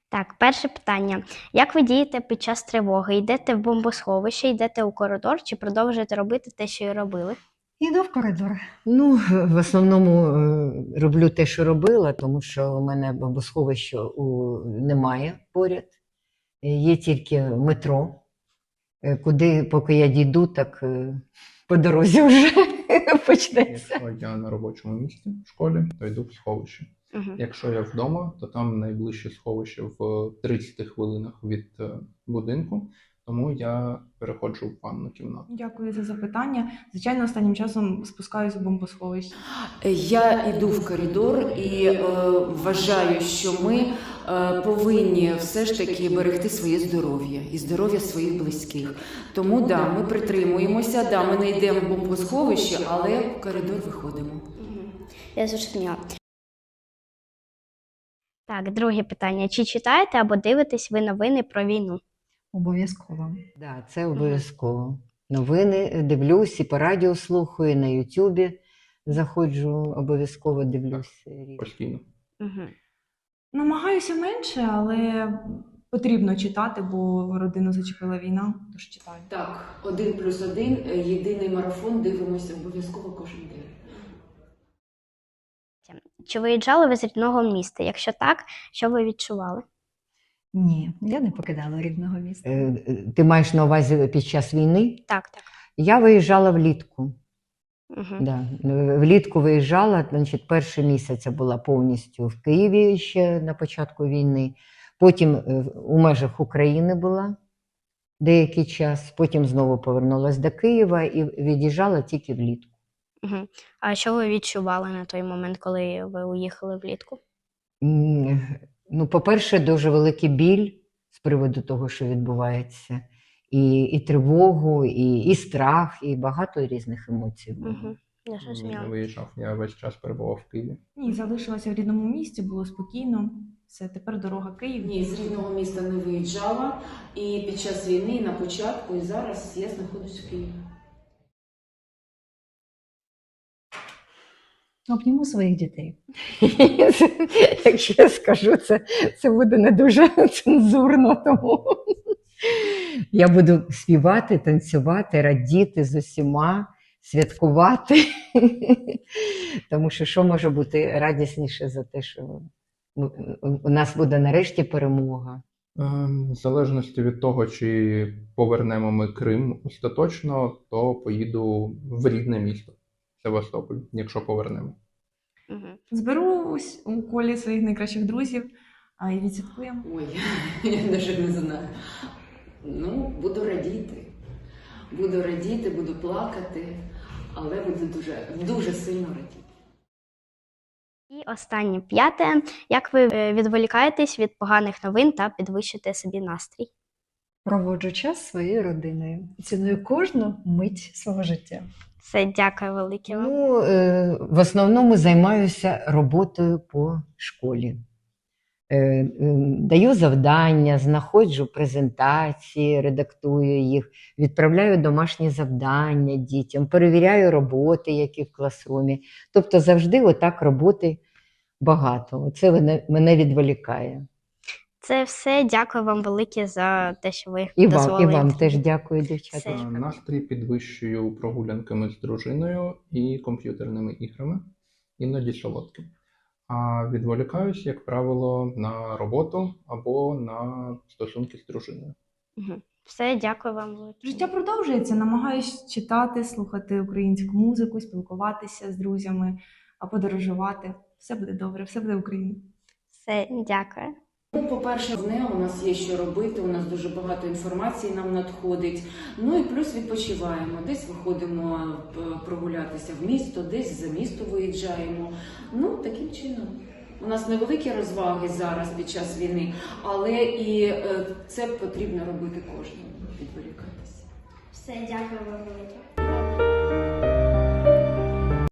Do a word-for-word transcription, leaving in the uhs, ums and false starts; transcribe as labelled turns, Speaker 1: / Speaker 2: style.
Speaker 1: Так, перше питання. Як ви дієте під час тривоги? Йдете в бомбосховище, йдете у коридор чи продовжуєте робити те, що і робили?
Speaker 2: Йду в коридор.
Speaker 3: Ну, в основному е, роблю те, що робила, тому що у мене бомбосховища у- немає поряд. Е, Є тільки метро, е, куди, поки я дійду, так е, по дорозі вже почнеться.
Speaker 4: Якщо я на робочому місці в школі, то йду в сховище.
Speaker 1: Угу.
Speaker 4: Якщо я вдома, то там найближче сховище в тридцяти хвилинах від е, будинку, тому я переходжу в ванну кімнату.
Speaker 5: Дякую за запитання. Звичайно, останнім часом спускаюсь у бомбосховище.
Speaker 6: Я йду в коридор і е, вважаю, що ми е, повинні все ж таки берегти своє здоров'я і здоров'я своїх близьких. Тому да, ми притримуємося, да, ми не йдемо в бомбосховище, але в коридор виходимо.
Speaker 1: Я зрозуміла. Так, друге питання. Чи читаєте або дивитесь ви новини про війну?
Speaker 2: Обов'язково.
Speaker 3: Да, це обов'язково. Новини дивлюсь, і по радіо слухаю, і на Ютубі заходжу, обов'язково дивлюсь.
Speaker 4: Постійно.
Speaker 1: Угу.
Speaker 5: Намагаюся менше, але потрібно читати, бо родину зачепила війна, тож читаю.
Speaker 6: Так, один плюс один, єдиний марафон, дивимося обов'язково кожен день.
Speaker 1: Чи виїжджали ви з рідного міста? Якщо так, що ви відчували?
Speaker 2: Ні, я не покидала рідного міста.
Speaker 3: Е, е, Ти маєш на увазі під час війни?
Speaker 1: Так, так.
Speaker 3: Я виїжджала влітку.
Speaker 1: Угу.
Speaker 3: Да. Влітку виїжджала, значить, перший місяць я була повністю в Києві ще на початку війни. Потім е, у межах України була деякий час, потім знову повернулася до Києва і від'їжджала тільки влітку.
Speaker 1: Угу. А що ви відчували на той момент, коли ви уїхали влітку?
Speaker 3: М, Ну, по-перше, дуже великий біль з приводу того, що відбувається. І, і тривогу, і, і страх, і багато різних емоцій було.
Speaker 1: Угу. Я
Speaker 4: Ні,
Speaker 1: зрозуміла.
Speaker 4: не виїжджав, я весь час перебував в Києві.
Speaker 5: Ні, залишилася в рідному місті, було спокійно. Все, тепер дорога Київ.
Speaker 6: Ні, з рідного міста не виїжджала, і під час війни, і на початку, і зараз я знаходжусь в Києві.
Speaker 2: Обніму своїх дітей.
Speaker 3: Якщо я скажу, це, це буде не дуже цензурно, тому я буду співати, танцювати, радіти з усіма, святкувати. Тому що що може бути радісніше за те, що ну, у нас буде нарешті перемога.
Speaker 4: Ем, В залежності від того, чи повернемо ми Крим остаточно, то поїду в рідне місто Севастополь, якщо повернемо.
Speaker 1: Угу.
Speaker 5: Зберусь у колі своїх найкращих друзів, а і відсвяткуємо.
Speaker 6: Ой, я навіть не знаю. Ну, буду радіти. Буду радіти, буду плакати, але буду дуже, дуже сильно радіти.
Speaker 1: І останнє п'яте. Як ви е, відволікаєтесь від поганих новин та підвищите собі настрій?
Speaker 2: Проводжу час зі своєю родиною. Ціную кожну мить свого життя.
Speaker 1: Все, дякую велике вам.
Speaker 3: Ну, е, в основному займаюся роботою по школі. Е, е, Даю завдання, знаходжу презентації, редактую їх, відправляю домашні завдання дітям, перевіряю роботи, які в класрумі. Тобто завжди отак роботи багато. Це мене, мене відволікає.
Speaker 1: Це все. Дякую вам велике за те, що ви
Speaker 3: І вам,
Speaker 1: дозволили.
Speaker 3: і вам
Speaker 1: інтерв'ю.
Speaker 3: теж дякую, дівчата.
Speaker 1: Все.
Speaker 4: Е, Настрій підвищую прогулянками з дружиною і комп'ютерними іграми, іноді солодким. А відволікаюсь, як правило, на роботу або на стосунки з дружиною.
Speaker 1: Угу. Все, дякую вам велике.
Speaker 5: Життя продовжується, намагаюсь читати, слухати українську музику, спілкуватися з друзями, а подорожувати. Все буде добре, все буде Україна.
Speaker 1: Все, дякую.
Speaker 6: Ну, по-перше, не у нас є що робити, у нас дуже багато інформації нам надходить. Ну і плюс відпочиваємо. Десь виходимо е, прогулятися в місто, десь за місто виїжджаємо. Ну, таким чином. У нас невеликі розваги зараз під час війни, але і е, це потрібно робити кожному, відволікатися.
Speaker 1: Все, дякую вам велике.